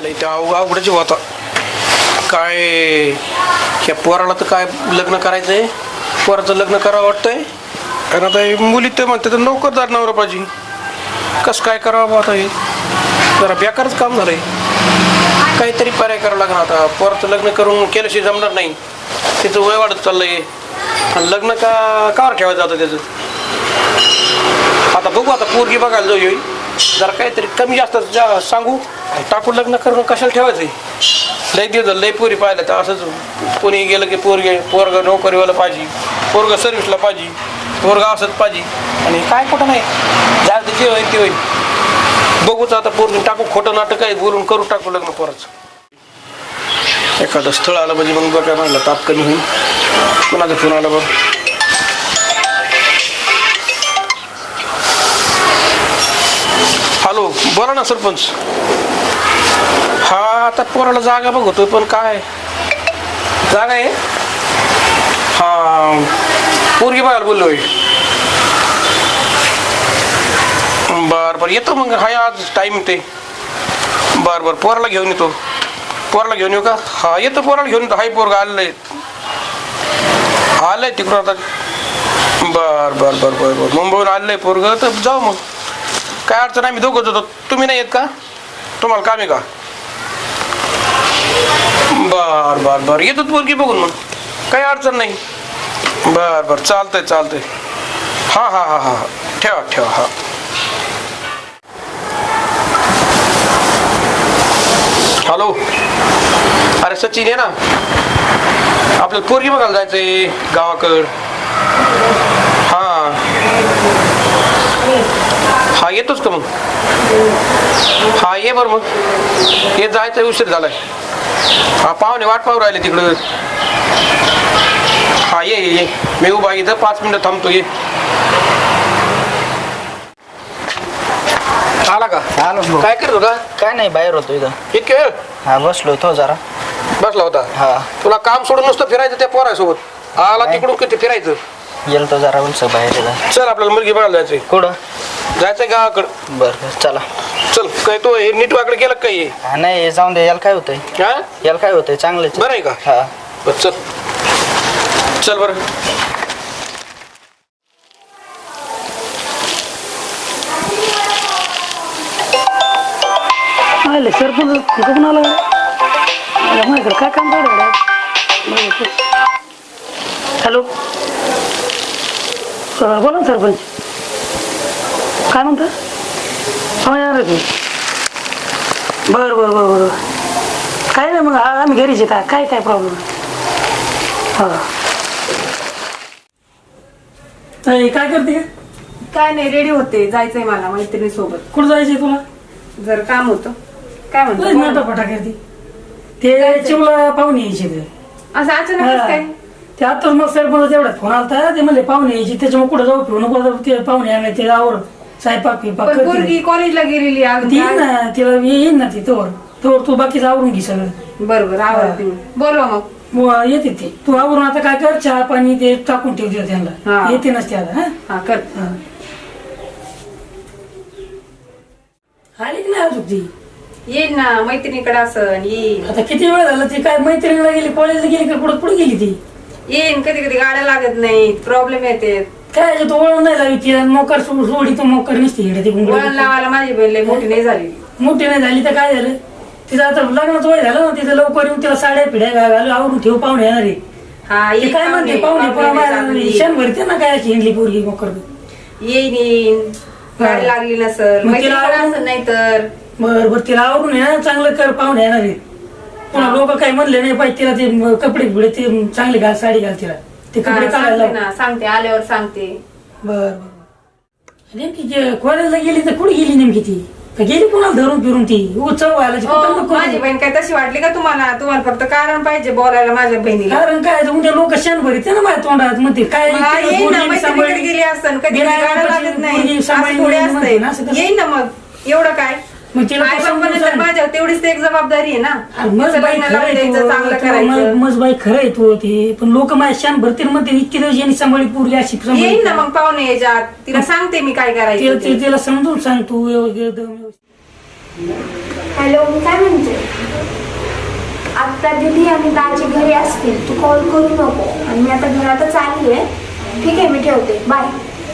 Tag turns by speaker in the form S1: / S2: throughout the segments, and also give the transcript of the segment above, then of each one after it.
S1: आयला इथे अवघडच होता काय. ह्या पोराला तर काय लग्न करायचंय, पोराचं लग्न करावं वाटतंय. आणि आता हे मुली ते म्हणते तर नोकरदार नवरा पाहिजे. कसं काय करावं आता, हे जरा बेकारच काम झालंय. काहीतरी पर्याय करावं लागणार आता. पोराचं लग्न करून केल्याशिवाय जमणार नाही. त्याचं वय वाढत चाललंय आणि लग्न कावर ठेवायचं आता त्याचं. आता बघू, आता पोरगी बघायला जाऊ येईल जरा काहीतरी कमी जास्त सांगू टाकून लग्न करून कशाला ठेवायचंय. लय दिवस लय पोरी पाहिलं तर असंच कोणी गेलं की पोरग नोकरीवाला पाहिजे, पोरग सर्व्हिसला पाहिजे, पोरग असंच पाहिजे. आणि काय कुठं नाही जास्त जे होईल ते होईल. बघूच आता पोरगी टाकू, खोटं नाटक आहे बोलून करू टाकू लग्न पोराचं. एखादं स्थळ आलं म्हणजे मग बघा म्हणलं ताप कमी होईल. कोणाचा फोन आला बघ. हॅलो, बोला ना सरपंच. हा आता पोराला जागा बघतोय पण काय जागा आहे. हा पोरगी बघायला बोललोय. बर बर येतो मग. हाय आज टाईम ते. बर बर पोराला घेऊन येतो. पोराला घेऊन येऊ का? हा येतो पोराला घेऊन येतो. हाय पोरगा आलंय तिकडून आता. बर बर बर बर बर मुंबईहून आलंय पोरग तर जाऊ मग. काय अडचण नाही, मी दोघंच होतो. तुम्ही नाही येत का? तुम्हाला काम आहे का? बर बर बर येतो पोरगी बघून मग. काही अडचण नाही. बर बर चालतंय चालतंय. हा हा हा हा ठेवा ठेवा. हा हॅलो, अरे सचिन आहे ना, आपल्याला पोरगी बघायला जायचंय गावाकड. हा हा येतोच का मग? हा ये बरं मग. ये जायचं उशीर झालाय. हा पाहुणे वाट पाहू राहिले तिकडं. हा ये ये मी उभा इथं 5 मिनिटं थांबतो. ये आला का?
S2: आलो.
S1: काय करतो का?
S2: काय नाही, बाहेर होतो इथं.
S1: इतके वेळ
S2: हा बसलो होतो जरा.
S1: बसला होता?
S2: हा.
S1: तुला काम सोडून नुसतं फिरायचं त्या पोरासोबत? आला तिकडून किती फिरायचं?
S2: गेलो तो जरा उलस बाहेर इथं.
S1: चल आपल्याला मुलगी बघायला जायचंय.
S2: कुठं
S1: जायचंय गावाकडं.
S2: बरं चला.
S1: चल. काय तो हे नीट वाकडे गेलं काय?
S2: हा नाही जाऊन दे. याला काय होतंय?
S1: हा
S2: याला काय होतंय? चांगलंच
S1: बरं आहे का?
S2: हा
S1: बरं चल. चल बरं.
S3: आले सरपंच कुठून आला माझ्याकडे काय काम काढ. हॅलो बोला ना सरपंच. काय म्हणता? हा येणार तुम्ही. बरं बरं बरं बरं काय नाही मग आम्ही घरीच येतात. काय काय प्रॉब्लेम? हा काय करते?
S4: काय नाही, रेडी होते. जायचंय मला मैत्रिणी सोबत.
S3: कुठं जायचंय तुला?
S4: जर काम होतं. काय म्हणतो?
S3: नाटाफटा करते. ते चिमला पाहुणे यायचे ते.
S4: असं अचानक काय?
S3: ते आताच मग सरपंच एवढ्यात फोन आलता. ते म्हणले पाहुणे यायचे, त्याच्यामुळे कुठं जाऊ फिरू नको. ते पाहुणे आणले ते आवर स्वयंपाक पिपाक
S4: पण पोरगी कॉलेजला गेलेली
S3: ती येईन ना, तिला येईन ना ती तोवर तू बाकीचं आवरून घे सगळं.
S4: बरोबर आवडते. बोलवा मग.
S3: येते ते. तू आवरून आता काय कर, चहा पाणी ते टाकून ठेवते त्यांना. येते नसते आता.
S4: हा कर.
S3: आली की नाही अजून ती?
S4: येईल ना, मैत्रिणीकडे असं येईन.
S3: आता किती वेळ झाला? ती काय मैत्रिणीला गेली, कॉलेजला गेली का कुठं गेली ती?
S4: येईन. कधी कधी गाड्या लागत नाही, प्रॉब्लेम येते.
S3: काय तू वळण नाही लावी ती. मोकार सोडी तर मोकार नसते.
S4: वळण लावायला माझी बहीण लई मोठी नाही झाली.
S3: मोठी नाही झाली तर काय झालं? तिचं आता लग्नाचं वय झालं ना. तिचं लवकर येऊन तिला साड्या पिढ्या घालू आवरून ठेव. पाहुणे येणार आहे.
S4: हा
S3: ते काय म्हणते पाहुणे क्षण भरते ना काय हिंडली पोरगी मोकर.
S4: येईन. गाडी लागली नसल, नाही तर
S3: बर बर तिला आवरून आहे ना चांगलं कर. पाहुणे येणार आहे. पुन्हा लोक काय म्हणले नाही पाहिजे तिला. ते कपडे बिडे ते चांगले घाल, साडी घाल तिला. ते कपडे काढायला
S4: सांगते, आल्यावर सांगते.
S3: बर बर नेमकी कॉलेजला गेली तर कुठे गेली नेमकी ती? गेली कुणाला धरून फिरून ती? उत्सव
S4: माझी बहीण काय तशी वाटली का तुम्हाला? तुम्हाला फक्त कारण पाहिजे बोलायला माझ्या बहिणीला.
S3: कारण काय उद्या लोक क्षण भरीत ना माझ्या तोंडात म्हणते काय
S4: गेली असतं कधी गाडं लागत नाही. येईन ना मग. एवढं काय माझ्या तेवढीच एक जबाबदारी आहे ना. चांगलं करायचं.
S3: मजबाई खरं आहे तू ते. पण लोक माझ्या शान भरतील म्हणते इतकी दिवस यांनी सांभाळी पूर्वी अशी.
S4: येईन ना मग पाहुणे याच्यात. तिला सांगते मी काय करायचं.
S3: तिला समजून सांग तू.
S5: हॅलो, मी काय म्हणते, आता दीदी आणि दाजी घरी असतील, तू कॉल करू नको. आणि मी आता घरातच आली आहे. ठीक आहे, मी ठेवते. बाय.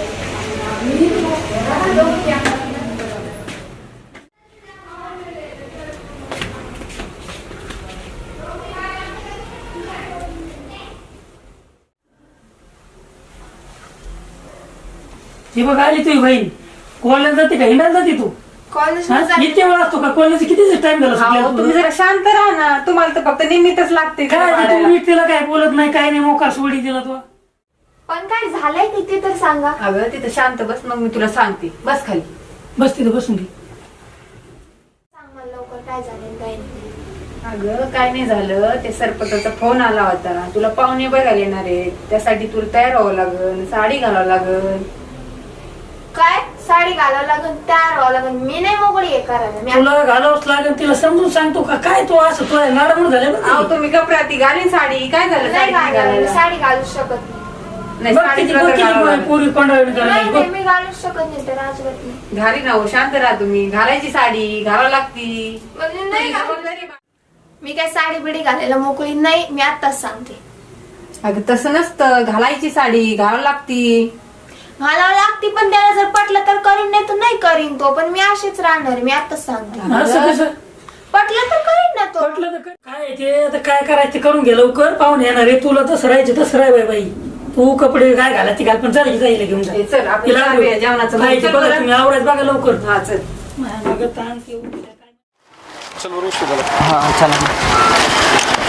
S3: ती बघ आली तुझी बहीण. कॉलेज जाते का, हिंडायला जाते तू?
S5: कॉलेज
S3: इतके वेळ असतो का? कॉलेज किती टाइम झाला
S4: अहो, तुम्ही
S3: सुटल्यावर?
S4: जरा शांत राहा ना. तुम्हाला तर फक्त निमित्तच लागते
S3: काय
S4: तिला
S3: तू
S4: पाडायला.
S3: नीट तिला काय बोलत नाही, काय नाही, मोकार सोडी दिला तू.
S5: पण काय झालंय किती तर सांगा.
S4: अगं तिथं शांत बस, मग मी तुला सांगते. बस खाली.
S3: बस तिथे बसून घे.
S5: सांग मला लवकर काय झालं काय नाही.
S4: अगं काय नाही झालं, ते सरपंचाचा फोन आला होता. तुला पाहुणे बघायला येणार आहेत, त्यासाठी तुला तयार व्हावं लागल, साडी घालावं लागल.
S5: काय साडी घालावं लागेल, तयार व्हावं लागेल. मी नाही मोकळी आहे करायला. मी
S3: तुला घालावंच लागेल, तिला समजून सांगतो का काय तू असं तुला लाडमूड झाले
S4: अहो तुम्ही गपराती घालीन साडी. काय झालं
S5: नाही
S4: साडी नाही
S5: घालायला,
S4: घालायला?
S5: साडी घालू शकत नाही.
S4: नाही, साडी तुला तर घालावं लागेल.
S3: पोरी पंढरवडी
S5: नाही
S3: करायची
S5: नाही, मी घालू शकत नाही तर अजिबात नाही.
S4: घाली ना हो, शांत राहा तुम्ही. घालायची साडी घालावं लागती.
S5: म्हणजे नाही घालू.
S4: जबाबदारी बा-
S5: मी काय साडी बिडी घालायला मोकळी नाही. मी आताच सांगते,
S4: अगं तसं नसतं. घालायची साडी घालावं लागती.
S5: घालावं लागते. पण त्याला जर पटलं तर करीन, नाही तर नाही करीन तो. पण मी अशीच राहणार. मी आताच सांगते.
S3: असं कसं
S5: पटलं तर करीन ना तो.
S3: म्हटलं तर काय आहे ते आता काय करायचं ते करून घे लवकर. पाहून येणार आहे तुला. तसं राहायचं तसं राह बाई. तू कपडे काय घालायची घाल, पण चालायची जाईल घेऊन जा.
S4: हे चल, आपण
S3: तिला
S4: जाऊया जेवणाचं.
S3: खायचं
S4: चल
S3: बघा
S4: बरं.
S3: तुम्ही, आवरायचं बघा लवकर.
S4: हा चल.
S3: मागं ताण ते उद्या काय.
S1: चल बरं उशीर झाला.
S2: हा चला.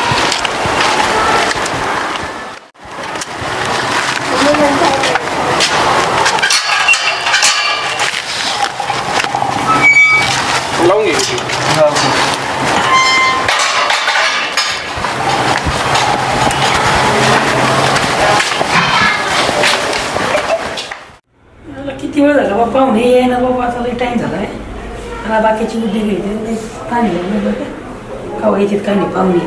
S1: लावून घे.
S3: मला किती वेळ झाला बाबा, पाहुणे ये ना बाबा. आता लई टाइम झालाय. मला बाकीची बुद्धी घ्यायची पाणी कवा येतात काय नाही पाहुणे.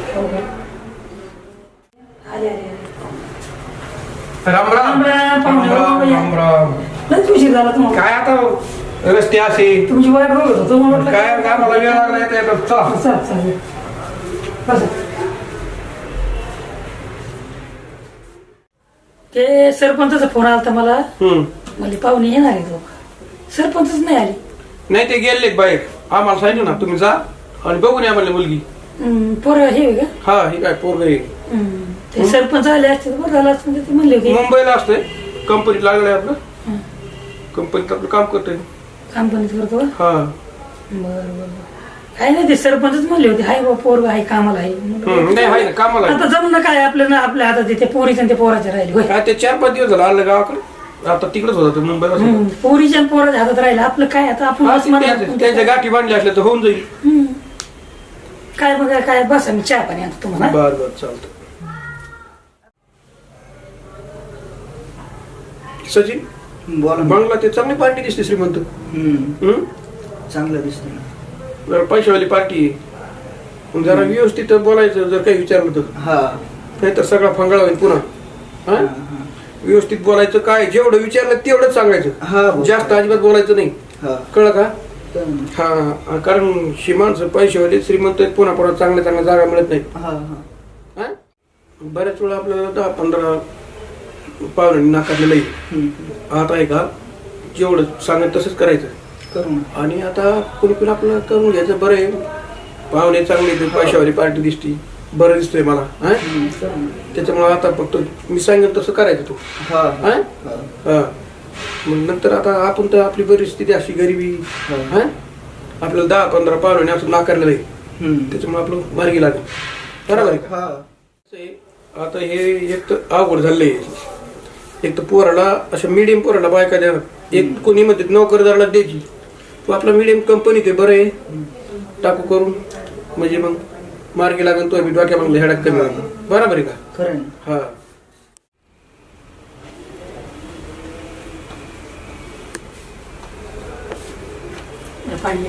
S3: आले आले
S1: राम राम.
S3: राम राम, पाहुणे.
S1: राम राम.
S3: लयच उशीर झाला तुम्हाला.
S1: काय आता रस्ते असे
S3: तुमची वाट बघत होतो म्हटलं
S1: काय काय मला वेळ लागला येता येता. चला.
S3: चाल चालेल. बसा. ते सरपंचाचा फोन आला तर मला. म्हणजे पाहुणे येणार आहे लोक. सरपंचच नाही आले.
S1: नाही ते गेले बाहेर. आम्हाला सांगितलं ना तुम्ही जा आणि बघून या म्हणले मुलगी.
S3: पोरं हे आहे का?
S1: हा हे काय पोरग
S3: ते सरपंच आले असते तर बरं झालं असतं. ते म्हणले की
S1: मुंबईला असतंय. कंपनीत लागलंय आपलं. कंपनीत आपलं काम करतोय.
S3: कंपनीत करतो का?
S1: हा
S3: बरं बरं. काय नाही ते सरपंचच म्हणले होते हाय बा पोरग आहे कामाला आहे.
S1: नाही आहे ना कामाला आहे.
S3: आता जमणं काय आपल्या ना आपल्या हातात ते पोरीच्या ते पोराच्या राहिले होय.
S1: काय ते 4-5 दिवस झालं आलं गावाकडे. आता तिकडेच होता तो मुंबईला.
S3: पोरीच्या आणि पोराच्या हातात राहिलं आपलं काय आता आपण
S1: हा,
S3: बस म्हणा.
S1: त्यांच्या गाठी बांधल्या असल्या तर होऊन जाईल.
S3: काय बघा काय बसा मी चहा पाणी आणतो तुम्हाला.
S1: बर बर चालतं. सचिन
S2: बोला ना.
S1: बंगला ते चांगली पार्टी दिसते श्रीमंत.
S2: चांगलं दिसतंय.
S1: जरा पैशावाली पार्टी आहे. जरा व्यवस्थित बोलायचं जर काही विचारलं तर.
S2: हा
S1: नाही तर सगळा फंगाळा होईल पुन्हा. हा? व्यवस्थित बोलायचं. काय जेवढं विचारलं तेवढंच
S2: हा,
S1: सांगायचं.
S2: बोल.
S1: जास्त अजिबात बोलायचं नाही.
S2: हा
S1: कळलं का? हा कारण श्रीमानचं पैशावाली श्रीमंत आहेत, पुन्हा पुन्हा चांगल्या चांगल्या जागा मिळत नाही.
S2: हा
S1: हा? बऱ्याच वेळा आपल्याला 10-15 पाहुणे नाकारलेलं आहे. आता आहे का जेवढं सांगत तसंच करायचं.
S2: करू ना.
S1: आणि आता कोणी पण आपलं करून घ्यायचं. बरं आहे पाहुणे चांगले ते पैशावाली पार्टी दिसती. बरं दिसतोय मला. हा त्याच्यामुळे आता फक्त मी सांगेन तसं करायचं तू.
S2: हा
S1: हा हा मग नंतर आता आपण तर आपली परिस्थिती अशी गरिबी. हा आपल्याला 10-15 पाहुणे असं नाकारलेलं आहे. त्याच्यामुळे आपलं मार्गी लागेल. बरोबर आहे का?
S2: हा
S1: आता हे एक तर अवघड झालंय. एक तर पोराला अशा मिडियम पोराला बायका द्या. एक कोणी म्हणते नोकरदाराला द्यायची. तू आपला मिडियम कंपनी ते बरं आहे टाकू करून म्हणजे मग मार्गी लागेल. तो मी डोक्या मागले हेडाक कमी लागेल. बरोबर आहे का?
S2: खरं आहे.
S1: हा
S3: पाणी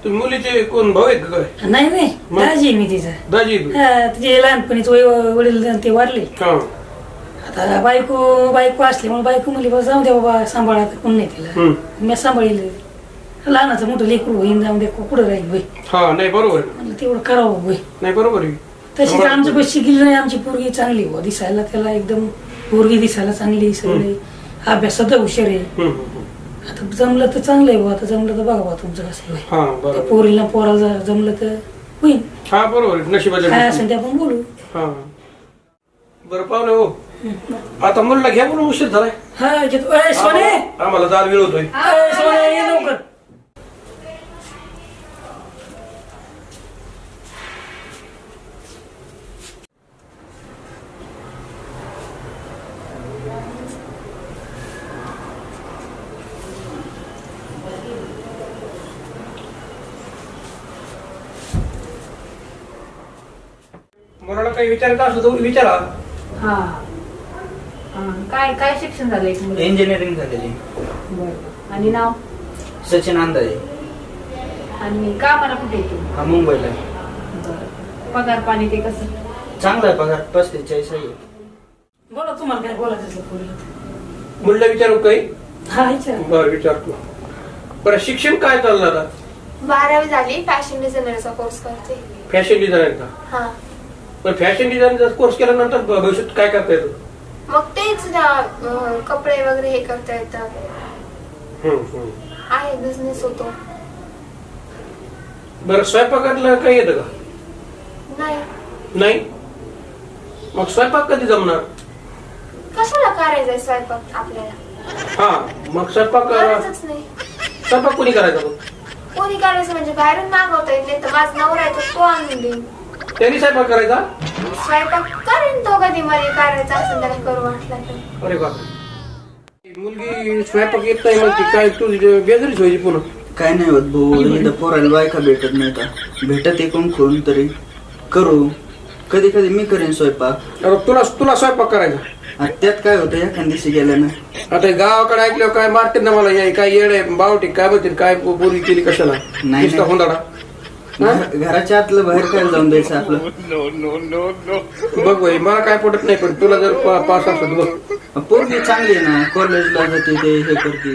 S1: तुम्ही मुलीचे कोण भाऊ आहेत का काय?
S3: नाही नाही दाजी आहे मी तिचा.
S1: दाजी
S3: तिचे लहानपणीच वडील ते वारले.
S1: हा
S3: आता बायको असल्यामुळे बायको म्हणली बाबा जाऊ दे बाबा सांभाळा कोण नाही तिला. मी सांभाळील लहानाचं मोठं लेकरू होईन जाऊन दे कुठं राहील होई.
S1: हा नाही बरोबर
S3: म्हणलं तेवढं करावं होई.
S1: नाही बरोबर आहे.
S3: तशीच आमचं पैसे गेली नाही. आमची पोरगी चांगली हो दिसायला त्याला एकदम पोरगी दिसायला चांगली सगळे अभ्यासात हुशार आहे. आता जमलं तर चांगलं आहे. आता जमलं तर बघा बा तुमचं कसं होईल.
S1: हा बरोबर
S3: पोरीला पोरा जमलं तर होईल.
S1: हा बरोबर आहे. नशिबाच्या
S3: काय
S1: गोष्टी.
S3: असेल ते आपण बोलू.
S1: हा बरं पाहुणे हो आता मुलीला घ्या म्हणून उशीर झालाय.
S3: हा घेतो. ए, सोने
S1: आम्हाला जाल वेळ होतोय.
S3: ए, सोने ये लवकर.
S1: मुलाला काही विचारायचं असलं तर विचारा.
S4: हा काय काय शिक्षण झालंय तुम्हाला?
S2: इंजिनिअरिंग झालेली.
S4: बरं. आणि नाव
S2: सचिन अंदाजे.
S4: आणि का मला कुठे येतो?
S2: हा मुंबईला.
S4: पगार पाणी ते कसं?
S2: चांगला आहे पगार 35-40 आहे.
S3: बोला तुम्हाला काय बोलायचं असलं पोरीला.
S1: मुलीला विचारू काही?
S3: हा विचार.
S1: बरं विचारतो. बरं शिक्षण काय चाललं आता?
S5: 12वी झाली फॅशन डिझायनरचा कोर्स करते.
S1: फॅशन डिझायनर का?
S5: हा
S1: पण फॅशन डिझायनरचा कोर्स केल्यानंतर भविष्यात काय करता येतं?
S5: मग तेच कपडे वगैरे हे करता येतात. आहे बिझनेस होतो.
S1: बरं स्वयंपाकातलं काही येतं का?
S5: नाही
S1: नाही. मग स्वयंपाक कधी जमणार?
S5: कशाला करायचंय स्वयंपाक आपल्याला?
S1: हा मग स्वयंपाक
S5: करायचंच नाही.
S1: स्वयंपाक कोणी करायचा मग?
S5: कोणी करायचं म्हणजे बाहेरून मागवता येत नाही तर माझा नवरा आहे तो आणून देईन.
S1: त्यांनी स्वयंपाक करायचा?
S5: स्वयंपाक करेन तो कधी मला करायचा असेल त्याला करू वाटला तर.
S1: अरे बापरे. मुलगी स्वयंपाक येत नाही मग ती काय तू बेजारीच व्हायची पुन्हा.
S2: काय नाही होत भाऊ. इथं पोराला बायका भेटत नाही का? भेटत एकूण कोण तरी करू. कधी कधी मी करेन स्वयंपाक.
S1: अरे तुला स्वयंपाक करायचा?
S2: आणि त्यात काय होतं एखाद दिवशी गेल्यानं.
S1: आता हे गावाकडे ऐकल्यावर काय मारते ना मला. हे काय येड आहे बावटी काय म्हणते काय बोरी केली कशाला?
S2: नाही.
S1: नुसता हुंदाडा.
S2: घराच्या आतलं बाहेर काय जाऊन द्यायचं आपलं.
S1: बघ भाई मला काय पटत नाही पण तुला जर पास असत बघ.
S2: पोरगी चांगली आहे ना. कॉलेजला जाते ते हे करते.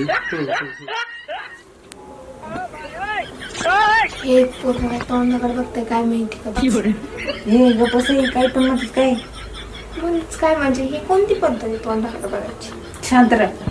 S5: हे पूर्ण तोंडाकडे बघते काय माहिती का?
S4: हे गप्पस काय पण म्हणतात काय?
S5: बोलच काय म्हणजे ही कोणती पद्धत आहे तोंडाकडे बघायची?
S4: शांत राहा.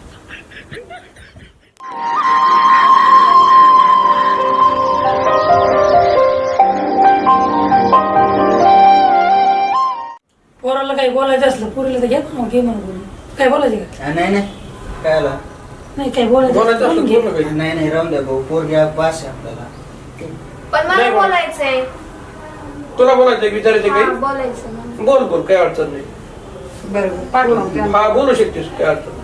S3: पोराला काही बोलायचं असलं पोरीला तर घ्या ना घे म्हणून बोलू. काय बोलायचं का?
S2: नाही नाही काय आला.
S3: नाही काय बोलायचं
S1: बोलायचं
S3: असलं
S1: असलं
S3: बोलून
S1: बोल
S3: घे.
S1: ना काही.
S2: नाही नाही राहून द्या भाऊ. पोरगी पास आहे आपल्याला.
S5: पण मला
S1: नाही बोल.
S5: बोलायचंय.
S1: तुला बोलायचं विचारायचं
S5: हा,
S1: काही?
S5: बोलायचं मला.
S1: बोल बोल काय अडचण नाही.
S4: बरोबर पाठवून
S1: हा बोलू शकतेस काय अडचण नाही.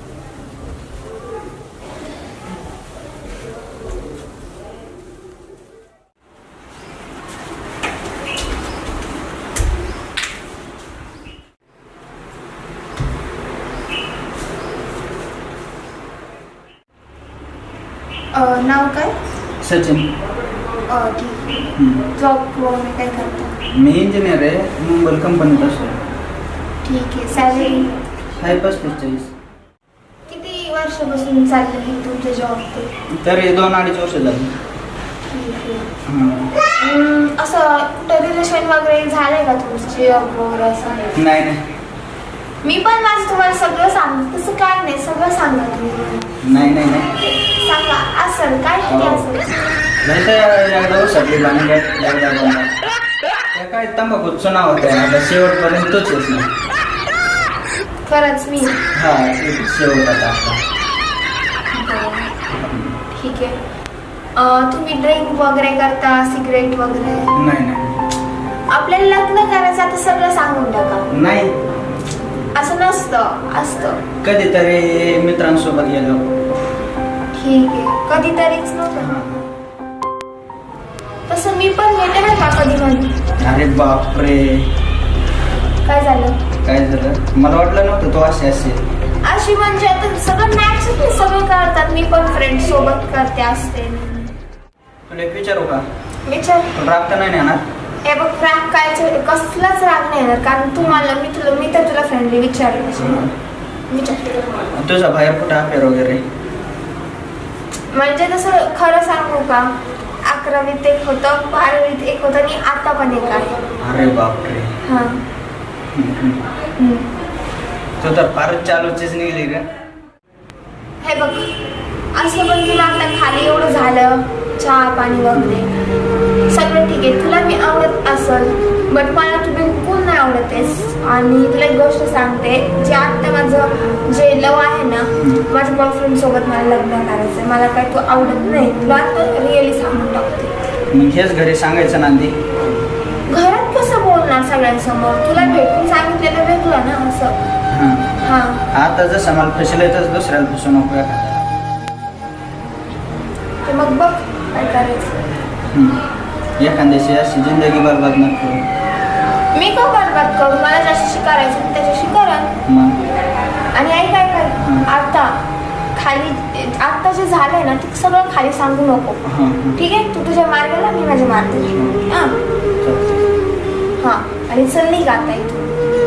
S5: नाव काय?
S2: सचिन.
S5: ठीक. जॉब वगैरे काय करता?
S2: मी इंजिनियर आहे. मुंबई कंपनीत असतो.
S5: ठीक आहे. सॅलरी
S2: आहे 35-40.
S5: किती वर्षापासून चाललं आहे तुमचं जॉब ते?
S2: तरी 2-2.5 वर्ष झाली.
S5: ठीक आहे. असं कुठं रिलेशन वगैरे झालंय का तुमचं जॉब वगैरे असं?
S2: नाही नाही
S5: मी पण माझं तुम्हाला सगळं सांगते. तसं काय नाही सगळं सांगा तुम्ही.
S2: नाही नाही नाही
S5: सांगा असेल काय किती असेल?
S2: एकदा उसटली भांडण एकदा भांडण. त्या काय तंबाखूचं नाव होतं. आता शेवटपर्यंत तोच येत नाही.
S5: खरंच मी.
S2: हा शेवट आता आपला.
S5: ठीक आहे. तुम्ही ड्रिंक वगैरे करता सिगरेट वगैरे?
S2: नाही नाही
S5: आपल्याला लग्न करायचं आता सगळं सांगून टाका.
S2: नाही
S5: असं नसतं असतं.
S2: कधीतरी मित्रांसोबत गेलो.
S5: ठीक आहे. कधीतरीच नव्हतं. तसं मी पण घेते ना का कधी कधी.
S2: अरे बापरे
S5: काय झालं?
S2: काय झालं? मला वाटलं नव्हतं तो असे असेल.
S5: अशी म्हणजे आता सगळं मॅच सगळं करतात. मी पण फ्रेंड सोबत करते असते.
S2: तुला एक विचारू का?
S5: विचार.
S2: तुला राग तर नाही ना येणार?
S5: हे बघ राग काय कसलाच राग नाही येणार कारण मी तर तुला फ्रेंडली विचारलं. विचार.
S2: तुझा बाहेर कुठं अफेअर वगैरे?
S5: म्हणजे तसं खरं सांगू का 11वीत एक होतं 12वीत एक होतं आणि आता पण एक आहे.
S2: अरे बापरे.
S5: हा.
S2: तू तर फारच चालूचीच निघली का?
S5: हे बघ असं पण तुला आता खाली एवढं झालं चहा पाणी वगैरे सगळं ठीक आहे तुला मी आवडत असल बट मला तू बिलकुल नाही आवडतेस. आणि तुला एक गोष्ट सांगते जे आता माझं जे लव आहे ना माझ्या बॉयफ्रेंड सोबत मला लग्न करायचं मला काय तू आवडत नाही तुला आता रिअली सांगून टाकते.
S2: मग हेच घरी सांगायचं नांदी?
S5: घरात कसं बोलणार सगळ्यांसमोर तुला भेटून सांगितलेलं वेगळं ना असं. हा
S2: आता जसं मला फसलंय तसं दुसऱ्याला फसू नको एखाद्याला.
S5: ते मग बघ काय करायचं.
S2: एखाद्याशी अशी जिंदगी बरबाद नको.
S5: मी का बरबाद करू मला ज्याच्याशी करायचं मी त्याच्याशी करा.
S2: मग
S5: आणि आई काय कर आता खाली आता जे झालंय ना ते सगळं खाली सांगू नको. ठीक आहे तू तुझ्या मार्गाला मी माझ्या मार्गाला. हा आणि चल नाही गाता इथून.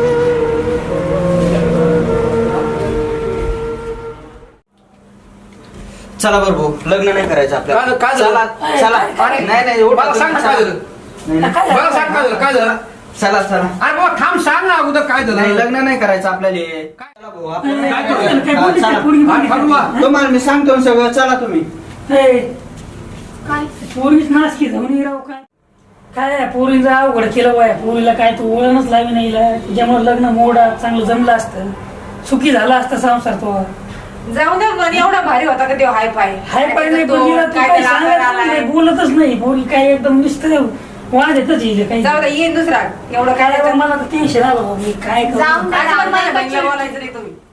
S2: चला बरं भाऊ लग्न नाही करायचं आपल्याला.
S1: काय झालं?
S2: चला चला.
S1: अरे,
S2: नाही
S1: मला सांग ना काय झालं.
S2: नाही.
S1: मला सांग काय झालं काय झालं.
S2: चला चला.
S1: अरे बाबा थांब सांग ना अगोदर काय
S2: नाही
S1: झालं.
S2: लग्न नाही करायचं आपल्याला. चला भाऊ आपण नाही
S1: काय
S2: करायचं.
S3: काय
S2: हा,
S3: बोलली
S2: चला.
S3: ती पोरगी
S1: अरे, ठरवा.
S2: तुम्हाला मी सांगतो ना सगळं चला तुम्ही.
S5: काय
S3: पोरीच नाच की जाऊन राव काय पोरीचं अवघड केलं बाय पोरीला काय तू वळणच लावी नाही त्याच्यामुळे लग्न मोडा चांगलं जमलं असतं सुखी झाला असता संसार तो.
S4: जाऊ दे मन एवढा भारी होता का तो हाय पाय
S3: हाय पाय नाही पण तिला तू काही सांगायचं नाही, बोलतच नाही पोरी काय एकदम नुसतं वाद येतच येईल काही.
S4: जाऊ दे येईन दुसरा एवढं काय
S3: काय मला तर टेन्शन आलं बाबा, मी काय करू.
S5: जाऊन दे,
S4: आज पण माझ्या
S5: जाऊन दे.
S4: बहिणीला बोलायचं नाही तुम्ही